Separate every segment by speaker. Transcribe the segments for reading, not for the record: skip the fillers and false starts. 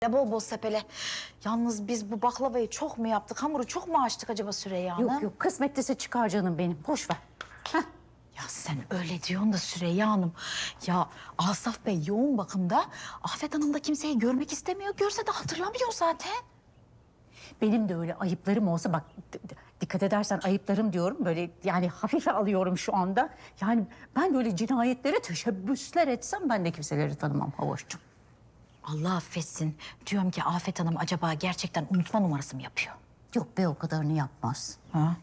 Speaker 1: Bol bol sepele. Yalnız biz bu baklavayı çok mu yaptık? Hamuru çok mu açtık acaba Süreyya Hanım?
Speaker 2: Yok kısmetlisi çıkar canım benim. Boş ver.
Speaker 1: Ya sen öyle diyorsun da Süreyya Hanım. Ya Asaf Bey yoğun bakımda. Afet Hanım da kimseyi görmek istemiyor. Görse de hatırlamıyor zaten.
Speaker 2: Benim de öyle ayıplarım olsa bak dikkat edersen ayıplarım diyorum. Böyle yani hafife alıyorum şu anda. Yani ben böyle cinayetlere teşebbüsler etsem ben de kimseleri tanımam Havoş'cum.
Speaker 1: Allah affetsin. Diyorum ki Afet Hanım acaba gerçekten unutma numarası mı yapıyor?
Speaker 2: Yok be o kadarını yapmaz.
Speaker 1: Ha?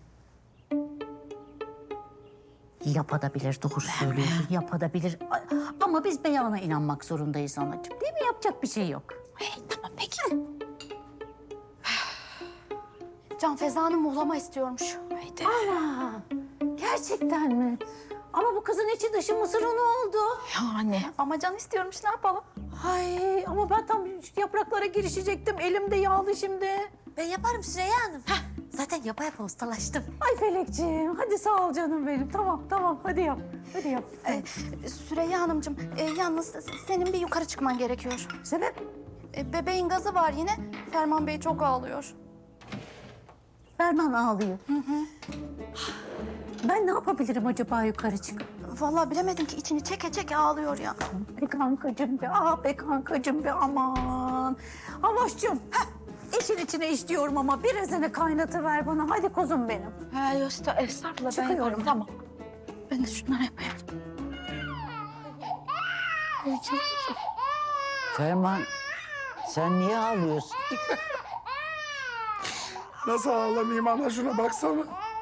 Speaker 2: Yapabilir doğru söylüyorsun. Yapabilir. Ama biz beyana inanmak zorundayız anacığım. Değil mi? Yapacak bir şey yok.
Speaker 1: Tamam peki.
Speaker 3: Can Feza Hanım muhlama istiyormuş.
Speaker 1: Haydi.
Speaker 2: Gerçekten mi? Ama bu kızın içi dışı mısır unu oldu.
Speaker 1: Yani.
Speaker 3: Ama Can istiyormuş, ne yapalım?
Speaker 2: Ay ama ben tam yapraklara girişecektim. Elim de yağlı şimdi.
Speaker 3: Ben yaparım Süreyya Hanım. Zaten yapa yapa ustalaştım.
Speaker 2: Ay Felekciğim hadi sağ ol canım benim. Tamam hadi yap. Hadi yap.
Speaker 3: Süreyya Hanımcığım, yalnız senin bir yukarı çıkman gerekiyor.
Speaker 2: Sebep?
Speaker 3: Bebeğin gazı var yine. Ferman Bey çok ağlıyor.
Speaker 2: Ferman ağlıyor. Ben ne yapabilirim acaba yukarı çıkıp?
Speaker 3: Vallahi bilemedim ki içini çeke çeke ağlıyor ya.
Speaker 2: Be kankacığım be, be kankacığım be aman. Havoş'cum, işin içine iş diyorum ama birazını kaynatıver bana. Hadi kuzum benim.
Speaker 1: Ha, estağfurullah ben
Speaker 2: Çıkıyorum.
Speaker 1: yaparım. Tamam. Ben de şunları yapayım.
Speaker 4: Ferman, sen niye ağlıyorsun?
Speaker 5: Nasıl ağlamayayım ana, şuna baksana.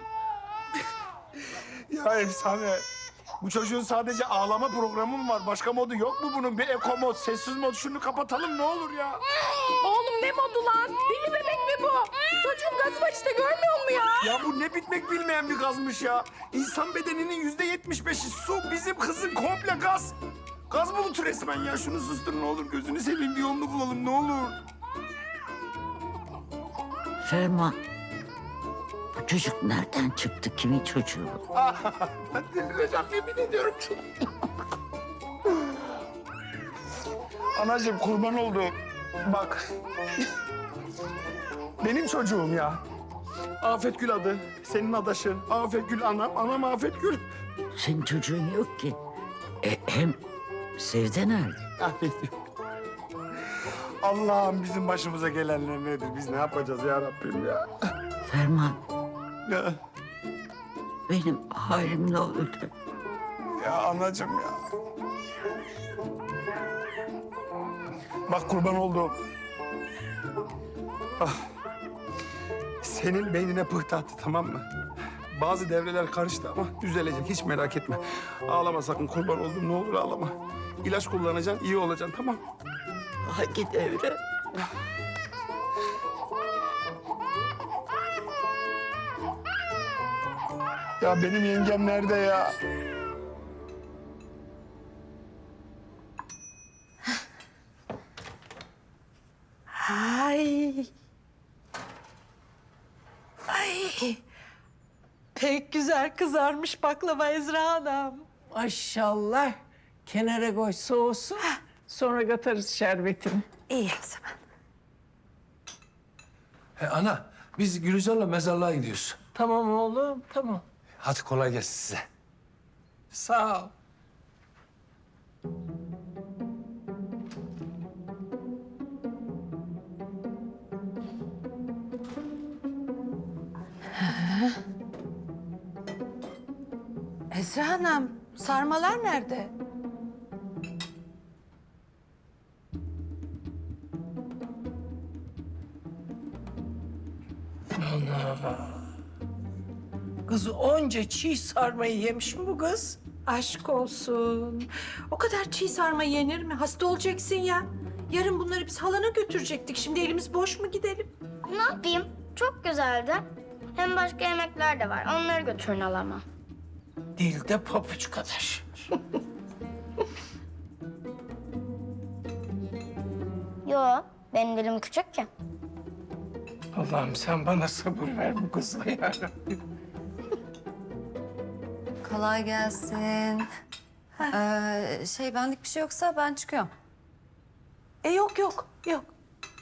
Speaker 5: Ya efsane. Bu çocuğun sadece ağlama programı mı var? Başka modu yok mu bunun? Bir eko mod, sessiz mod. Şunu kapatalım ne olur ya.
Speaker 6: Oğlum ne modu lan? Deli bebek mi bu? Çocuğun gazı var işte, görmüyor musun ya?
Speaker 5: Ya bu ne bitmek bilmeyen bir gazmış ya. İnsan bedeninin %75'i su. Bizim kızın komple gaz. Gaz bulutu resmen ya. Şunu sustur ne olur. Gözünü seveyim, bir yolunu bulalım ne olur.
Speaker 4: Ferman, bu çocuk nereden çıktı? Kimin çocuğu?
Speaker 5: Ben delireceğim, yemin ediyorum. Anacığım kurban olduğum. Bak. Benim çocuğum ya. Afet Gül adı. Senin adaşın. Afet Gül anam. Anam Afet Gül.
Speaker 4: Senin çocuğun yok ki. Hem Sevde nerede?
Speaker 5: Afet Gül. Allah'ım bizim başımıza gelenler nedir? Biz ne yapacağız ya Rabbim ya?
Speaker 4: Ferman,
Speaker 5: Ya,
Speaker 4: benim halim ne oldu?
Speaker 5: ya anacığım ya. Bak kurban olduğum. Ah. Senin beynine pıhtı attı, tamam mı? Bazı devreler karıştı ama düzelecek, hiç merak etme. Ağlama sakın, kurban oldum, ne olur ağlama. İlaç kullanacaksın, iyi olacaksın, tamam?
Speaker 4: Hangi devre?
Speaker 5: Ya benim yengem nerede ya?
Speaker 6: Ay. Ay. Pek güzel kızarmış baklava Ezra Hanım.
Speaker 7: Maşallah. Kenara koy soğusun. Sonra katarız şerbetini.
Speaker 6: İyi o zaman.
Speaker 8: Ana, biz Gülizar'la mezarlığa gidiyoruz.
Speaker 7: Tamam oğlum, tamam.
Speaker 8: Hadi kolay gelsin size.
Speaker 7: Sağ ol.
Speaker 6: Ezra Hanım, sarmalar nerede?
Speaker 7: Kız onca çiğ sarmayı yemiş mi bu kız?
Speaker 6: Aşk olsun. O kadar çiğ sarma yenir mi? Hasta olacaksın ya. Yarın bunları biz halana götürecektik. Şimdi elimiz boş mu gidelim?
Speaker 9: Ne yapayım? Çok güzeldi. Hem başka yemekler de var. Onları götürün alama.
Speaker 7: Dilde papuç kadar.
Speaker 9: Yo, benim dilim küçük ya.
Speaker 7: Allah'ım sen bana sabır ver bu kızla ya.
Speaker 10: Kolay gelsin. Benlik bir şey yoksa ben çıkıyorum.
Speaker 6: Yok.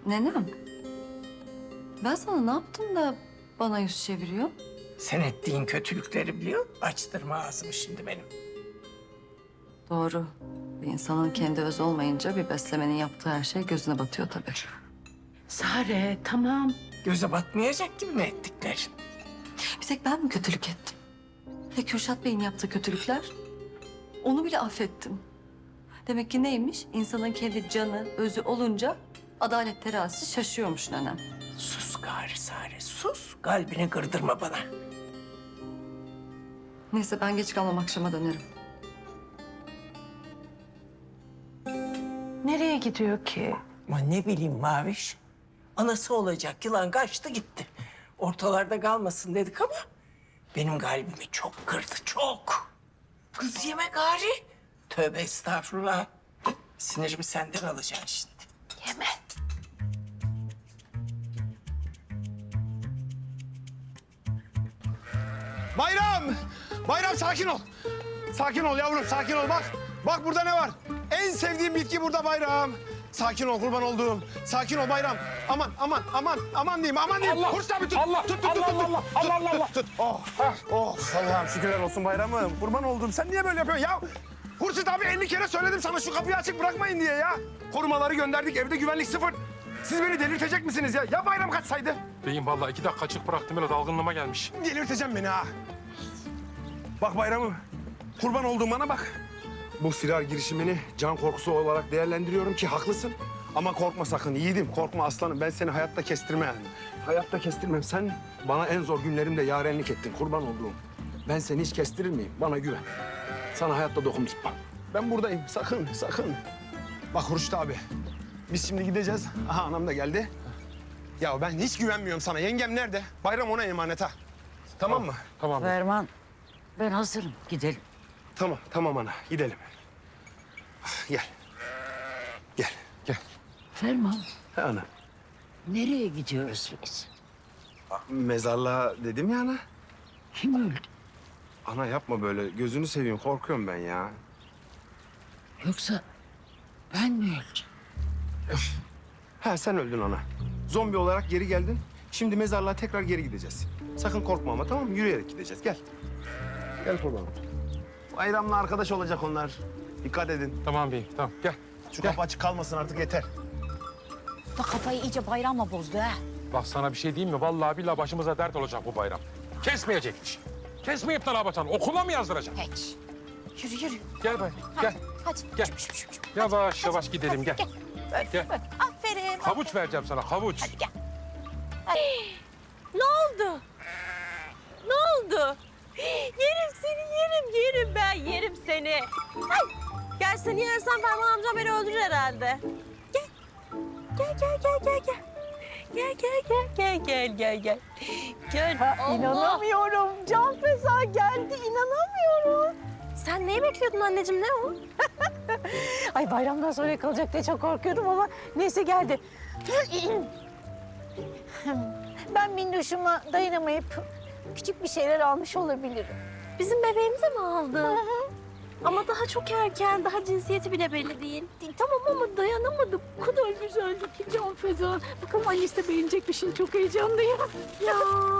Speaker 10: Nenem. Ben sana ne yaptım da bana yüz çeviriyor?
Speaker 7: Sen ettiğin kötülükleri biliyor. Açtırma ağzımı şimdi benim.
Speaker 10: Doğru. Bir insanın kendi özü olmayınca bir beslemenin yaptığı her şey gözüne batıyor tabii.
Speaker 7: Sare tamam. Göze batmayacak gibi mi ettiklerin?
Speaker 10: Bir tek ben mi kötülük ettim? Ya Kürşat Bey'in yaptığı kötülükler? Onu bile affettim. Demek ki neymiş? İnsanın kendi canı, özü olunca adalet terazisi şaşıyormuş nenem.
Speaker 7: Sus gari Sare, sus. Kalbini kırdırma bana.
Speaker 10: Neyse ben geç kalmam, akşama dönerim.
Speaker 6: Nereye gidiyor ki?
Speaker 7: Ama ne bileyim Maviş. Anası olacak yılan kaçtı gitti. Ortalarda kalmasın dedik ama benim kalbimi çok kırdı, çok. Kız yeme gari. Tövbe estağfurullah. Sinirimi senden alacaksın şimdi. Yeme.
Speaker 5: Bayram! Bayram sakin ol. Sakin ol yavrum, sakin ol. Bak, bak burada ne var? En sevdiğim bitki burada Bayram. Sakin ol kurban olduğum. Sakin ol Bayram. Aman, aman, aman, aman diyeyim, aman diyeyim.
Speaker 8: Allah!
Speaker 5: Hurs abi tut.
Speaker 8: Allah!
Speaker 5: Tut, tut,
Speaker 8: Allah,
Speaker 5: tut, tut,
Speaker 8: Allah,
Speaker 5: tut,
Speaker 8: Allah,
Speaker 5: tut,
Speaker 8: Allah.
Speaker 5: tut. Oh, oh, Allah'ım şükürler olsun Bayram'ım. Kurban olduğum. Sen niye böyle yapıyorsun ya? Hurşit abi 50 kere söyledim sana şu kapıyı açık bırakmayın diye ya. Korumaları gönderdik, evde güvenlik sıfır. Siz beni delirtecek misiniz ya? Ya Bayram kaçsaydı?
Speaker 11: Beyim vallahi 2 dakika açık bıraktım öyle dalgınlığıma gelmiş.
Speaker 5: Delirteceğim beni ha. Bak Bayram'ım, kurban olduğum bana bak. Bu firar girişimini can korkusu olarak değerlendiriyorum ki haklısın. Ama korkma sakın yiğidim, korkma aslanım. Ben seni hayatta kestirmem. Hayatta kestirmem. Sen bana en zor günlerimde yarenlik ettin, kurban olduğum. Ben seni hiç kestirir miyim? Bana güven. Sana hayatta dokunmayacağım. Ben buradayım, sakın, sakın. Bak Hurşit abi, biz şimdi gideceğiz. Aha anam da geldi. Ya ben hiç güvenmiyorum sana. Yengem nerede? Bayram ona emanet ha. Tamam mı?
Speaker 11: Tamam.
Speaker 4: Ferman, ben hazırım. Gidelim.
Speaker 5: Tamam, tamam ana. Gidelim. Gel. Gel.
Speaker 4: Ferman,
Speaker 5: Ha, ana.
Speaker 4: nereye gidiyoruz biz?
Speaker 5: Mezarlığa dedim ya ana.
Speaker 4: Kim öldü?
Speaker 5: Ana yapma böyle. Gözünü seveyim. Korkuyorum ben ya.
Speaker 4: Yoksa ben mi öldüm?
Speaker 5: Ha sen öldün ana. Zombi olarak geri geldin. Şimdi mezarlığa tekrar geri gideceğiz. Sakın korkma ama tamam mı? Yürüyerek gideceğiz. Gel. Gel kurbanım. Bayramla arkadaş olacak onlar. Dikkat edin.
Speaker 11: Tamam beyim tamam gel.
Speaker 5: Şu kapı açık kalmasın artık yeter.
Speaker 1: Da kafayı iyice Bayram'la bozdu ha.
Speaker 11: Bak sana bir şey diyeyim mi? Vallahi billahi başımıza dert olacak bu bayram. Kesmeyecekmiş. Kesmeyip de ne yapacaksın? Okula mı yazdıracaksın?
Speaker 1: Hiç. Yürü yürü.
Speaker 11: Gel bay. Gel.
Speaker 1: Hadi.
Speaker 11: Gel. Yavaş yavaş gidelim gel. Gel.
Speaker 1: Aferin.
Speaker 11: Havuç vereceğim sana havuç.
Speaker 2: Ne oldu? Ne oldu? Yerim seni, yerim ben, yerim seni. Ay, gel seni yersem Ferman amcam beni öldürür herhalde. Gel. Gel. Allah. İnanamıyorum. Can Feza geldi, inanamıyorum. Sen neyi bekliyordun anneciğim, ne o? Ay bayramdan sonra kalacak diye çok korkuyordum ama neyse geldi. Ben minnoşuma dayanamayıp küçük bir şeyler almış olabilirim.
Speaker 9: Bizim bebeğimize mi aldın? Ama daha çok erken, daha cinsiyeti bile belli değil.
Speaker 2: Tamam ama dayanamadım. O kadar güzeldi ki Can Feza. Bakalım annesi de beğenecek mi, şimdi çok heyecanlıyım.
Speaker 9: Ya.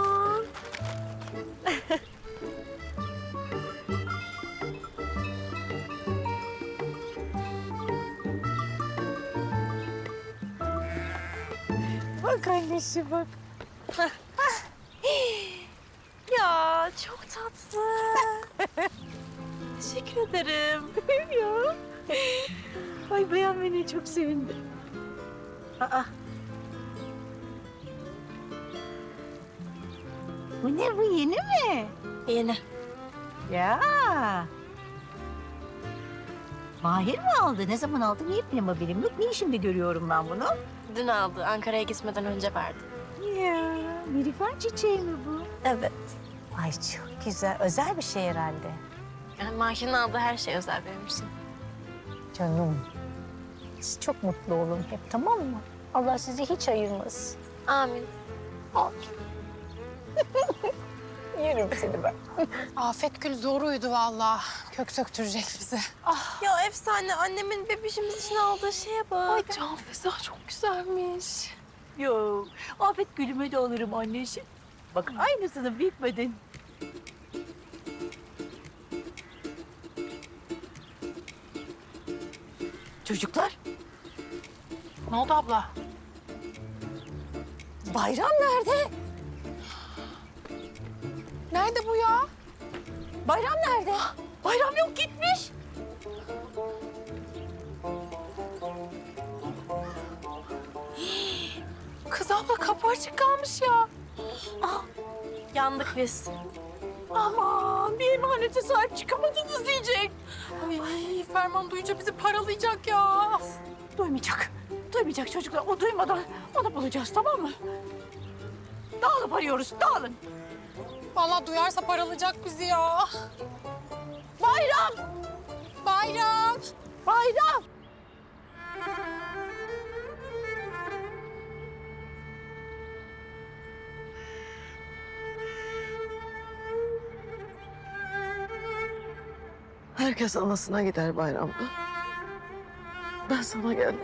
Speaker 2: Bak annesi bak.
Speaker 9: Ya çok tatlı. Teşekkür ederim.
Speaker 2: Ya. Ay beğenmene çok sevindim. Aa. Bu ne, bu yeni mi?
Speaker 9: Yeni.
Speaker 2: Ya. Mahir mi aldı? Ne zaman aldı? Niye benim haberim yok? Niye şimdi görüyorum ben bunu?
Speaker 9: Dün aldı. Ankara'ya gitmeden önce verdi.
Speaker 2: Ya, nilüfer çiçeği mi bu?
Speaker 9: Evet.
Speaker 2: Ay çok güzel. Özel bir şey herhalde.
Speaker 9: Yani Mahir'in aldığı her şey özel benim için.
Speaker 2: Canım. Siz çok mutlu olun hep, tamam mı? Allah sizi hiç ayırmasın.
Speaker 9: Amin.
Speaker 2: Yerim seni ben.
Speaker 3: Afet Gül zor uyudu vallahi. Kök söktürecek bizi.
Speaker 12: Ya efsane annemin bebişimiz için aldığı şeye bak. Ay Can Feza çok güzelmiş.
Speaker 2: Yo, Afet Gül'üme de alırım anneciğim. Bak aynısını bitmedin. Çocuklar,
Speaker 3: Ne oldu abla?
Speaker 2: bayram nerede?
Speaker 3: Nerede bu ya?
Speaker 2: Bayram nerede? Bayram yok gitmiş.
Speaker 3: Kız abla kapı açık kalmış ya.
Speaker 12: Yandık biz.
Speaker 2: Aman bir emanete sahip çıkamadınız diyecek.
Speaker 3: Ay Ferman duyunca bizi paralayacak ya.
Speaker 2: Duymayacak. Duymayacak çocuklar. O duymadan onu bulacağız tamam mı? Dağılıp arıyoruz. Dağılın.
Speaker 3: Vallahi duyarsa paralayacak bizi ya.
Speaker 2: Bayram!
Speaker 3: Bayram.
Speaker 2: Bayram!
Speaker 7: Herkes anasına gider bayramda. Ben sana geldim.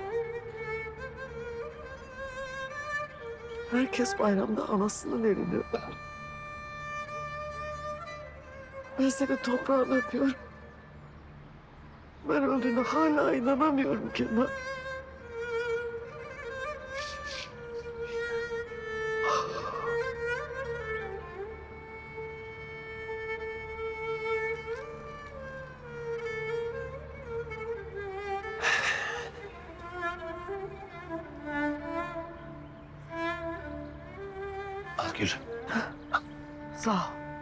Speaker 7: Herkes bayramda anasının elini öper. Ben senin toprağını öpüyorum. Ben öldüğüne hala inanamıyorum Kenan.
Speaker 8: Al Gül.
Speaker 7: Sağ ol.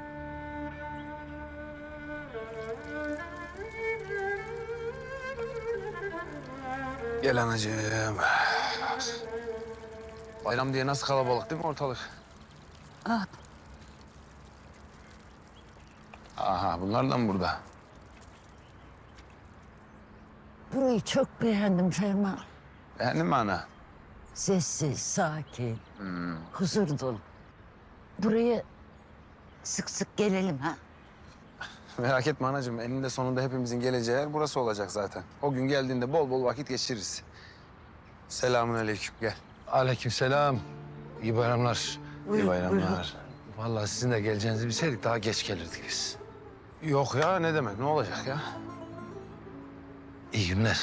Speaker 8: Gel anacığım. Bayram diye nasıl kalabalık değil mi ortalık? Aha bunlar da mı burada?
Speaker 4: Burayı çok beğendim Ferman.
Speaker 8: Beğendin mi ana?
Speaker 4: Sessiz, sakin, huzur dolu. Buraya sık sık gelelim ha.
Speaker 8: Merak etme anacığım. Eninde sonunda hepimizin geleceği yer burası olacak zaten. O gün geldiğinde bol bol vakit geçiririz. Selamünaleyküm. Gel. Aleykümselam. İyi bayramlar. İyi bayramlar. Vallahi sizin de geleceğinizi bilseydik daha geç gelirdik biz. Yok ya ne demek ne olacak ya? İyi günler.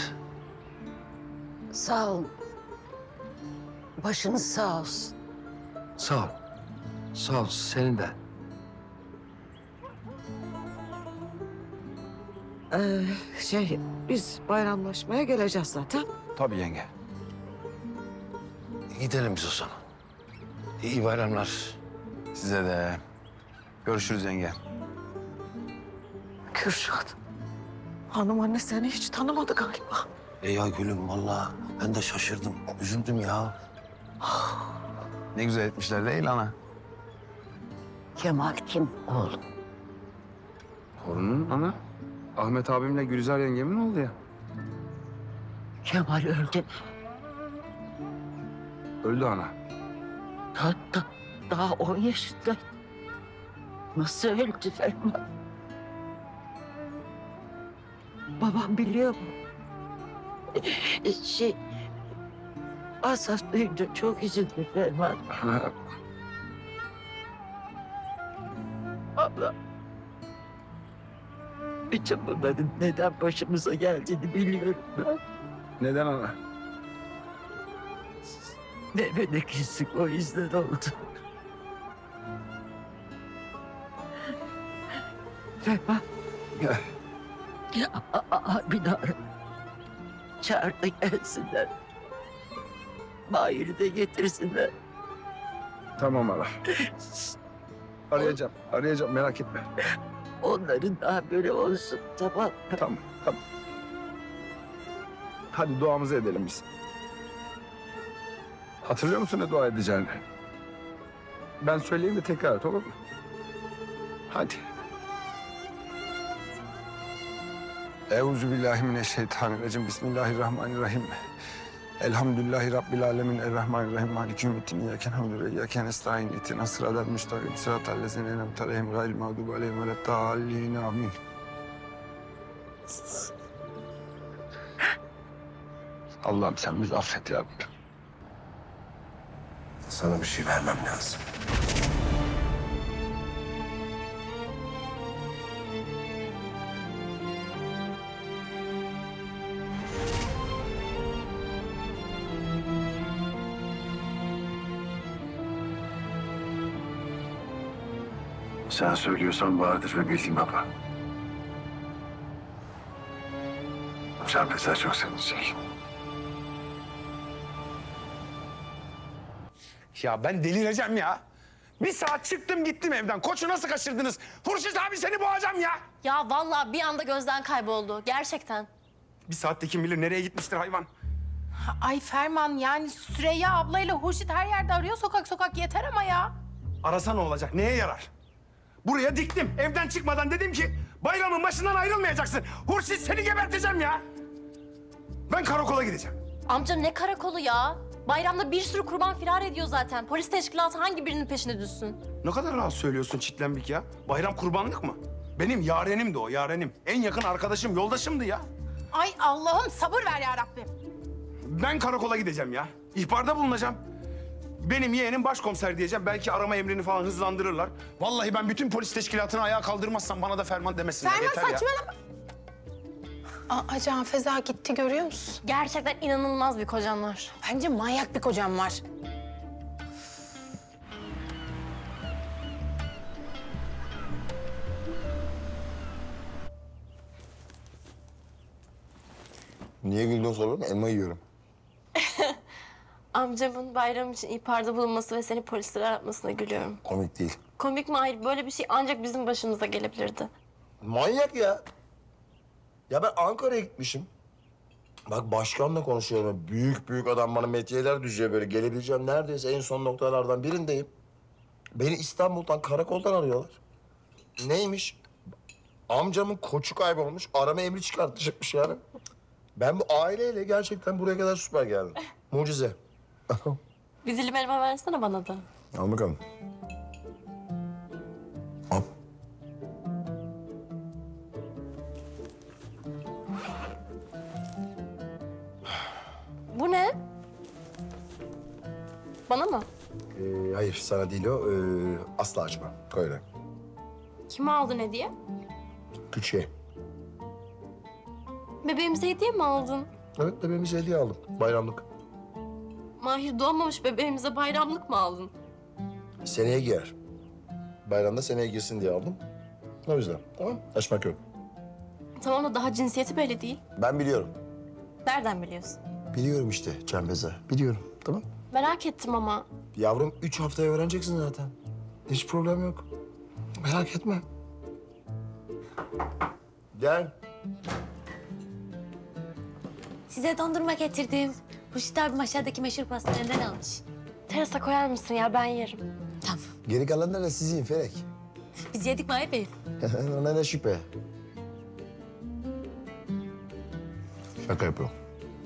Speaker 4: Sağ olun. Başınız sağ olsun.
Speaker 8: Sağ ol. Sağ ol senin de.
Speaker 7: Biz bayramlaşmaya geleceğiz zaten.
Speaker 8: Tabii yenge. Gidelim biz o zaman. İyi bayramlar. Size de. Görüşürüz yenge.
Speaker 7: Kürşat. Hanım anne seni hiç tanımadı galiba.
Speaker 8: Ya gülüm vallahi ben de şaşırdım. Üzüldüm ya. Ne güzel etmişler değil ana.
Speaker 4: Kemal kim oğlum?
Speaker 8: Torunun ana. Ahmet abimle Gülizar yengemin oldu ya.
Speaker 4: Kemal öldü.
Speaker 8: Öldü ana.
Speaker 4: Hatta daha 10 yaşında. Nasıl öldü Ferman? Babam biliyor mu? Asaf duyunca çok üzüldü Ferman. Abla. Bütün bunların neden başımıza geldiğini biliyorum ben.
Speaker 8: Neden ana?
Speaker 4: Mehmet'e küslük o yüzden oldu. Ferman.
Speaker 8: Gel.
Speaker 4: Abini ara. Çağır da gelsinler. Mahir'i de getirsinler.
Speaker 8: Tamam ana. Arayacağım merak etme.
Speaker 4: Onların daha böyle olsun tamam.
Speaker 8: Tamam. Hadi duamızı edelim biz. Hatırlıyor musun ne dua edeceğini? Ben söyleyeyim de tekrar et olur mu? Hadi. Euzubillahimineşşeytanirracim. Bismillahirrahmanirrahim. Elhamdülillahi Rabbil alemin. Errahmanirrahim. Maliki yevmiddin. İyyâken hamdü ve iyyâken nestaîn. İhdina sıratal müstakîm. Sıratal lezîne en'amte aleyhim gayril mağdûbi aleyhim veleddâllîn. Amin. Allah'ım sen bizi affet ya Rabbi.
Speaker 5: Sana bir şey vermem lazım. Sen söylüyorsan vardır ve bildiğim baba. Can Feza çok sevinecek.
Speaker 8: Ya ben delireceğim ya. Bir saat çıktım gittim evden. Koçu nasıl kaçırdınız? Hurşit abi seni boğacağım ya.
Speaker 12: Ya vallahi bir anda gözden kayboldu. Gerçekten.
Speaker 8: Bir saatte kim bilir nereye gitmiştir hayvan.
Speaker 6: Ay Ferman yani Süreyya ablayla Hurşit her yerde arıyor sokak sokak yeter ama ya.
Speaker 8: Arasa ne olacak? Neye yarar? Buraya diktim. Evden çıkmadan dedim ki bayramın başından ayrılmayacaksın. Hurşit seni geberteceğim ya. Ben karakola gideceğim.
Speaker 12: Amca ne karakolu ya? Bayramda bir sürü kurban firar ediyor zaten. Polis teşkilatı hangi birinin peşine düşsün?
Speaker 8: Ne kadar rahat söylüyorsun çitlenbik ya. Bayram kurbanlık mı? Benim yarenimdi o, yarenim. En yakın arkadaşım, yoldaşımdı ya.
Speaker 6: Ay Allah'ım sabır ver ya Rabbim.
Speaker 8: Ben karakola gideceğim ya. İhbarda bulunacağım. Benim yeğenim başkomiser diyeceğim. Belki arama emrini falan hızlandırırlar. Vallahi ben bütün polis teşkilatını ayağa kaldırmazsam bana da ferman demesinler.
Speaker 6: Ferman
Speaker 8: Yeter ya.
Speaker 6: saçmalama. Aa Can Feza gitti görüyor musun?
Speaker 12: Gerçekten inanılmaz bir kocan var.
Speaker 6: Bence manyak bir kocam var.
Speaker 5: Niye güldün soruyorum? Elma yiyorum.
Speaker 12: Amcamın bayram için ihbarda bulunması ve seni polislere aratmasına gülüyorum.
Speaker 5: Komik değil.
Speaker 12: Komik mi? Hayır. Böyle bir şey ancak bizim başımıza gelebilirdi.
Speaker 13: Manyak ya. Ya ben Ankara'ya gitmişim. Bak başkanla konuşuyorum. Büyük büyük adam bana metiyeler düşüyor böyle. Gelebileceğim neredeyse en son noktalardan birindeyim. Beni İstanbul'dan, karakoldan arıyorlar. Neymiş? Amcamın koçu kaybolmuş. Arama emri çıkartacakmış yani. Ben bu aileyle gerçekten buraya kadar süper geldim. Mucize.
Speaker 12: Bir dilim elma versene bana da.
Speaker 13: Al bakalım. Al.
Speaker 12: Bu ne? Bana mı?
Speaker 13: Hayır sana değil o. Asla açma. Koy öyle.
Speaker 12: Kime aldın hediye?
Speaker 13: Küçüğe.
Speaker 12: Bebeğimize hediye mi aldın?
Speaker 13: Evet bebeğimize hediye aldım. Bayramlık.
Speaker 12: Mahir doğmamış bebeğimize bayramlık mı aldın?
Speaker 13: Seneye giyer. Bayramda seneye girsin diye aldım. O yüzden. Tamam. Açmak yok.
Speaker 12: Tamam da daha cinsiyeti belli değil.
Speaker 13: Ben biliyorum.
Speaker 12: Nereden biliyorsun?
Speaker 13: Biliyorum işte Canbeze. Biliyorum. Tamam.
Speaker 12: Merak ettim ama.
Speaker 13: Yavrum 3 haftaya öğreneceksin zaten. Hiç problem yok. Merak etme. Gel.
Speaker 14: Size dondurma getirdim. Hurşit abim aşağıdaki meşhur pastaneden almış.
Speaker 12: Terasa koyar mısın ya ben yerim.
Speaker 14: Tamam.
Speaker 13: Geri kalanlar da sizin Felek.
Speaker 14: Biz yedik Mahir Bey.
Speaker 13: Ona ne şüphe. Şaka yapıyorum.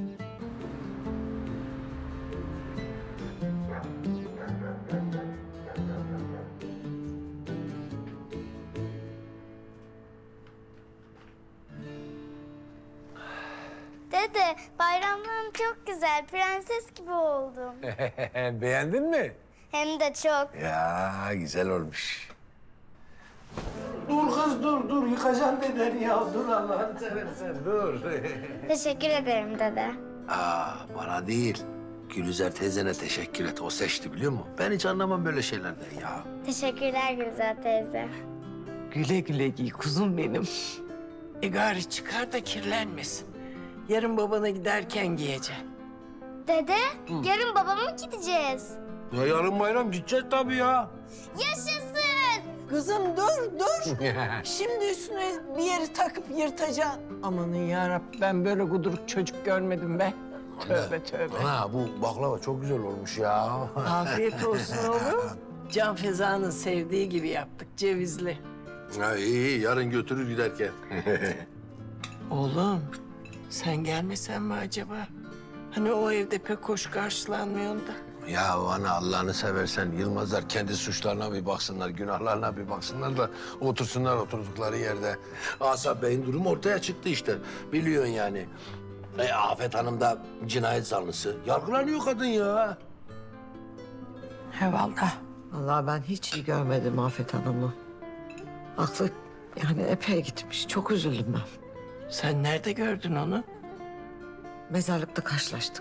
Speaker 9: Dede, bayramlarım çok güzel. Prenses gibi oldum.
Speaker 7: Beğendin mi?
Speaker 9: Hem de çok.
Speaker 13: Ya güzel olmuş.
Speaker 7: Dur kız dur. Yıkacaksın beden ya. Dur Allah'ını seversen dur.
Speaker 9: Teşekkür ederim dede.
Speaker 13: Bana değil. Gülüzer teyzene teşekkür et. O seçti biliyor musun? Ben hiç anlamam böyle şeylerden ya.
Speaker 9: Teşekkürler Gülzar teyze.
Speaker 7: Güle güle giy kuzum benim. Gari çıkar da kirlenmesin. Yarın babana giderken giyeceksin.
Speaker 9: Dede, yarın babama mı gideceğiz?
Speaker 13: Ya yarın bayram gideceğiz tabii ya.
Speaker 9: Yaşasın!
Speaker 7: Kızım dur. Şimdi üstüne bir yeri takıp yırtacaksın. Amanın yarabbim ben böyle guduruk çocuk görmedim be. Tövbe.
Speaker 13: Ha bu baklava çok güzel olmuş ya.
Speaker 7: Afiyet olsun oğlum. Can Feza'nın sevdiği gibi yaptık cevizli.
Speaker 13: Ha, iyi yarın götürür giderken.
Speaker 7: Oğlum sen gelmesen mi acaba? Hani o evde pek hoş karşılanmıyorsun da.
Speaker 8: Ya ana Allah'ını seversen Yılmazlar kendi suçlarına bir baksınlar, günahlarına bir baksınlar da otursunlar oturdukları yerde. Asaf Bey'in durumu ortaya çıktı işte. Biliyorsun yani. Afet Hanım da cinayet zanlısı. Yargılanıyor kadın ya.
Speaker 7: He vallahi.
Speaker 15: Vallahi ben hiç iyi görmedim Afet Hanım'ı. Aklı yani epey gitmiş. Çok üzüldüm ben.
Speaker 7: Sen nerede gördün onu?
Speaker 15: Mezarlıkta karşılaştık.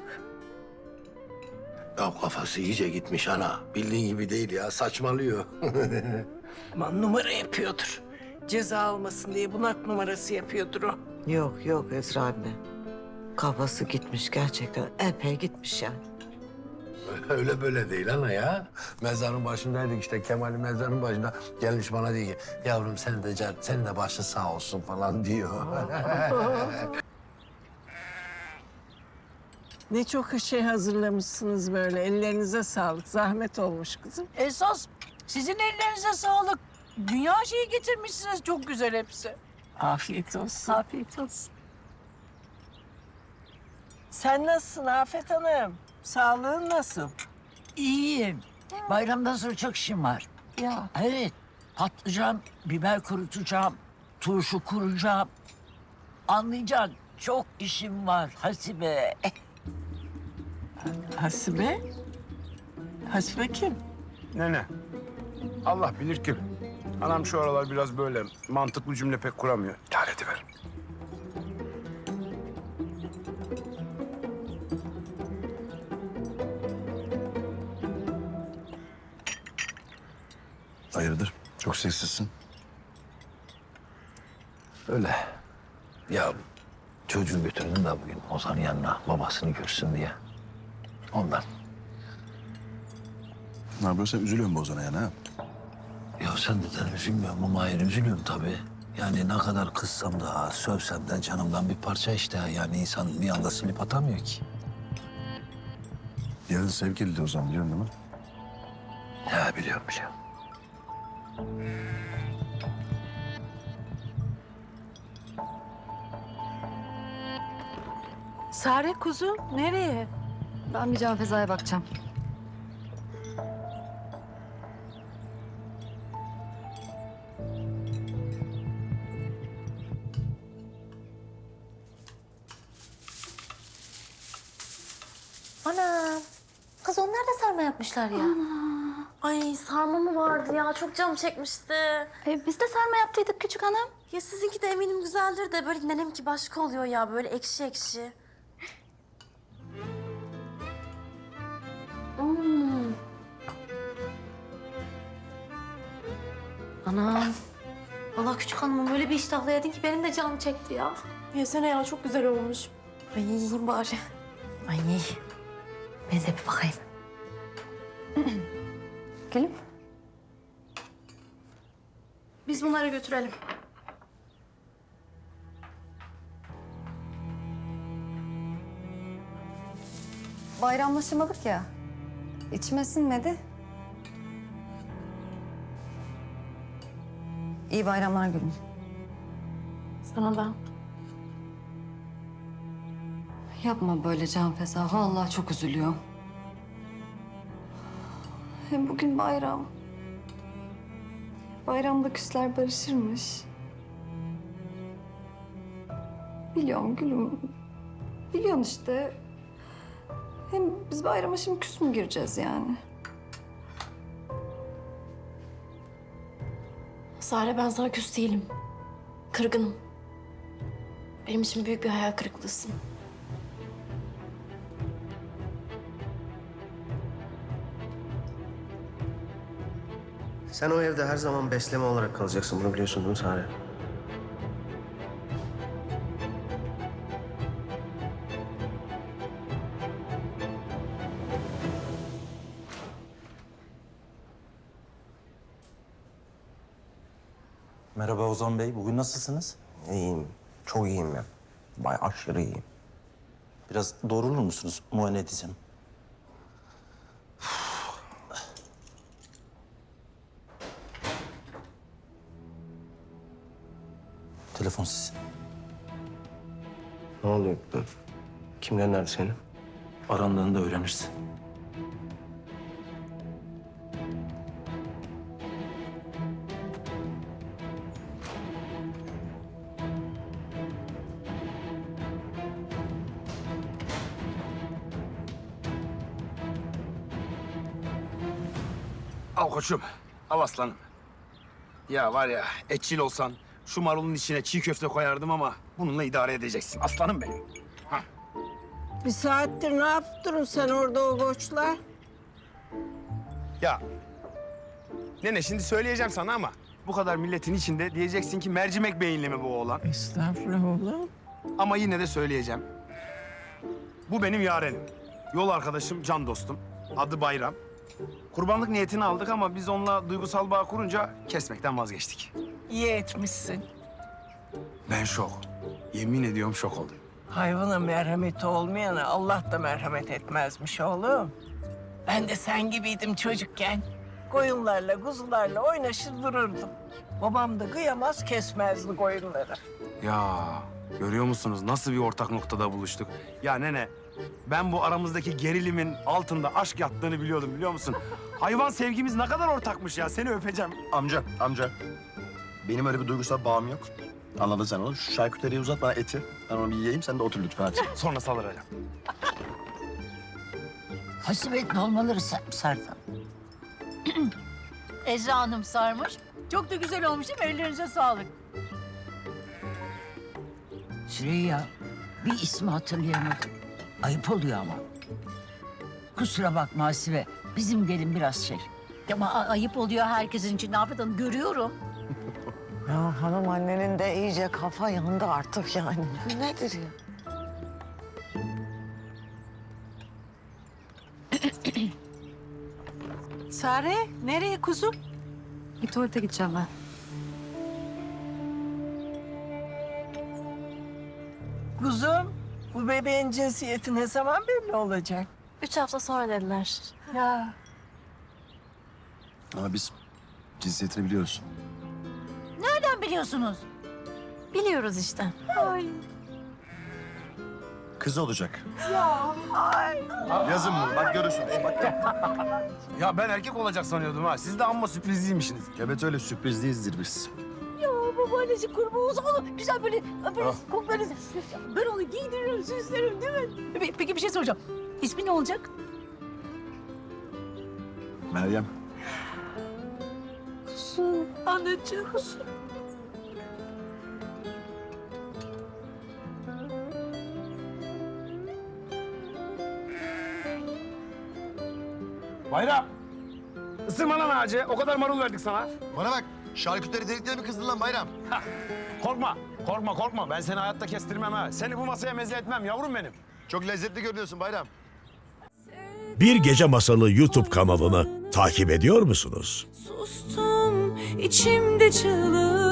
Speaker 8: Ya kafası iyice gitmiş ana. Bildiğin gibi değil ya, saçmalıyor.
Speaker 7: Aman numara yapıyordur. Ceza almasın diye bunak numarası yapıyordur o.
Speaker 15: Yok yok Esra anne. Kafası gitmiş gerçekten. Epey gitmiş yani.
Speaker 8: Öyle böyle değil ana ya. Mezarın başındaydık işte, Kemal'in mezarın başında. Gelmiş bana diyor ki, yavrum sen de can, senin de başın sağ olsun falan diyor.
Speaker 7: Ne çok şey hazırlamışsınız böyle. Ellerinize sağlık. Zahmet olmuş kızım.
Speaker 4: Esas sizin ellerinize sağlık. Dünya şeyi getirmişsiniz, çok güzel hepsi.
Speaker 7: Afiyet olsun.
Speaker 4: Afiyet olsun.
Speaker 7: Sen nasılsın Afet Hanım? Sağlığın nasıl?
Speaker 4: İyiyim. Bayramdan sonra çok işim var.
Speaker 7: Ya.
Speaker 4: Evet, patlıcan, biber kurutacağım, turşu kuracağım. Anlayacaksın, çok işim var Hasibe.
Speaker 7: Hasibe? Hasibe kim?
Speaker 5: Nene. Allah bilir kim. Anam şu aralar biraz böyle mantıklı cümle pek kuramıyor. Lanetiver.
Speaker 13: Hayırdır? Çok sessizsin.
Speaker 8: Öyle. Ya çocuğu götürdüm de bugün Ozan'ın yanına babasını görsün diye. Ondan.
Speaker 13: Ne yapıyorsun? Sen üzülüyorsun bu Ozan'a yani ha?
Speaker 8: Ya sen de üzülmüyorum ama hayır üzülüyorum tabii. Yani ne kadar kızsam da sövsem de canımdan bir parça işte. Yani insan bir anda silip atamıyor ki.
Speaker 13: Yarın sevgili de Ozan biliyorsun değil mi?
Speaker 8: Ya biliyorum.
Speaker 6: Sare kuzum nereye?
Speaker 10: Ben bir Can Feza'ya bakacağım.
Speaker 14: Ana. Kız onlar da sarma yapmışlar ya. Ay sarma mı vardı ya? Çok canım çekmişti.
Speaker 3: Biz de sarma yaptıydık küçük hanım.
Speaker 14: Ya sizinki de eminim güzeldir de böyle nenemki başka oluyor ya. Böyle ekşi ekşi. Hmm. Anam. Vallahi küçük hanımım öyle bir iştahla yedin ki benim de canım çekti ya.
Speaker 3: Yesene ya çok güzel olmuş.
Speaker 14: Ay yiyeyim bari. Ay ben de bir bakayım.
Speaker 3: Gelin. Biz bunları götürelim.
Speaker 10: Bayramlaşamadık ya. İçime sinmedi. İyi bayramlar gülüm.
Speaker 3: Sana da.
Speaker 10: Yapma böyle Can Feza. Vallahi çok üzülüyor. Hem bugün bayram. Bayramda küsler barışırmış. Biliyorum gülüm. Biliyorsun işte. Hem biz bayrama şimdi küs mü gireceğiz yani?
Speaker 3: Sare ben sana küs değilim. Kırgınım. Benim için büyük bir hayal kırıklığısın.
Speaker 16: Sen o evde her zaman besleme olarak kalacaksın. Bunu biliyorsun değil mi Sare?
Speaker 17: Merhaba Ozan Bey. Bugün nasılsınız?
Speaker 16: İyiyim. Çok iyiyim ben. Aşırı iyiyim.
Speaker 17: Biraz doğrulur musunuz? Muayene edeceğim. Telefon sizin.
Speaker 16: Ne oluyor? Kim gönderdi seni?
Speaker 17: arandığını da öğrenirsin.
Speaker 5: Al koçum, al aslanım. Ya var ya, etçil olsan şu marulun içine çiğ köfte koyardım ama bununla idare edeceksin. Aslanım benim. Hah.
Speaker 15: Bir saattir ne yaptın sen orada o boşlar?
Speaker 5: Ya, nene şimdi söyleyeceğim sana ama bu kadar milletin içinde diyeceksin ki mercimek beyinli mi bu oğlan?
Speaker 15: Estağfurullah oğlum.
Speaker 5: Ama yine de söyleyeceğim. Bu benim yarenim. Yol arkadaşım, can dostum. Adı Bayram. Kurbanlık niyetini aldık ama biz onunla duygusal bağ kurunca kesmekten vazgeçtik.
Speaker 7: İyi etmişsin.
Speaker 5: Ben şok. Yemin ediyorum şok oldum.
Speaker 7: Hayvana merhameti olmayana Allah da merhamet etmezmiş oğlum. Ben de sen gibiydim çocukken. Koyunlarla, kuzularla oynaşır dururdum. Babam da kıyamaz kesmezdi koyunları.
Speaker 5: Ya görüyor musunuz nasıl bir ortak noktada buluştuk? Ya nene ben bu aramızdaki gerilimin altında aşk yattığını biliyordum biliyor musun? Hayvan sevgimiz ne kadar ortakmış ya seni öpeceğim.
Speaker 13: Amca. Benim öyle bir duygusal bağım yok. Anladın sen onu. Şu şarküteriyi uzat bana eti. Ben onu bir yiyeyim, sen de otur lütfen hadi.
Speaker 5: Sonra salıracağım.
Speaker 4: Hasibet dolmaları sardım. Ezra Hanım sarmış. Çok da güzel olmuş değil mi? Ellerinize sağlık.
Speaker 18: Süreyya, bir ismi hatırlayamadım. Ayıp oluyor ama. Kusura bakma Hasibe, bizim gelin biraz şey.
Speaker 2: Ama ayıp oluyor herkesin için Afet Hanım, görüyorum.
Speaker 15: Ya hanım annenin de iyice kafa yandı artık yani. Bu nedir ya?
Speaker 7: Sare, nereye kuzum?
Speaker 10: Bir tuvalete gideceğim ben.
Speaker 7: Kuzum, bu bebeğin cinsiyeti ne zaman belli olacak?
Speaker 12: 3 hafta sonra dediler.
Speaker 7: Ya.
Speaker 13: Ama biz cinsiyetini biliyoruz.
Speaker 4: Nereden biliyorsunuz?
Speaker 12: Biliyoruz işte.
Speaker 13: Kız olacak.
Speaker 7: Ya. Ay.
Speaker 13: Yazın bunu, bak görürsün. Bak.
Speaker 5: Ya ben erkek olacak sanıyordum ha. Siz de amma sürprizliymişsiniz.
Speaker 13: Evet öyle sürpriz değilizdir biz.
Speaker 2: Ya babaannesi kurban olsa onu güzel böyle öperiz, koklarız. Ben onu giydiririm, süslerim değil mi? Peki bir şey soracağım. İsmi ne olacak?
Speaker 13: Meryem.
Speaker 7: Anacığım.
Speaker 5: Bayram. Isırma lan ağacı. O kadar marul verdik sana.
Speaker 13: Bana bak, şarküteri delikleri mi kızdın lan Bayram?
Speaker 5: Korkma. Ben seni hayatta kestirmem ha. Seni bu masaya meze etmem yavrum benim.
Speaker 13: Çok lezzetli görünüyorsun Bayram.
Speaker 19: Bir Gece Masalı YouTube kanalını takip ediyor musunuz?
Speaker 12: Sustum içimde çığlık.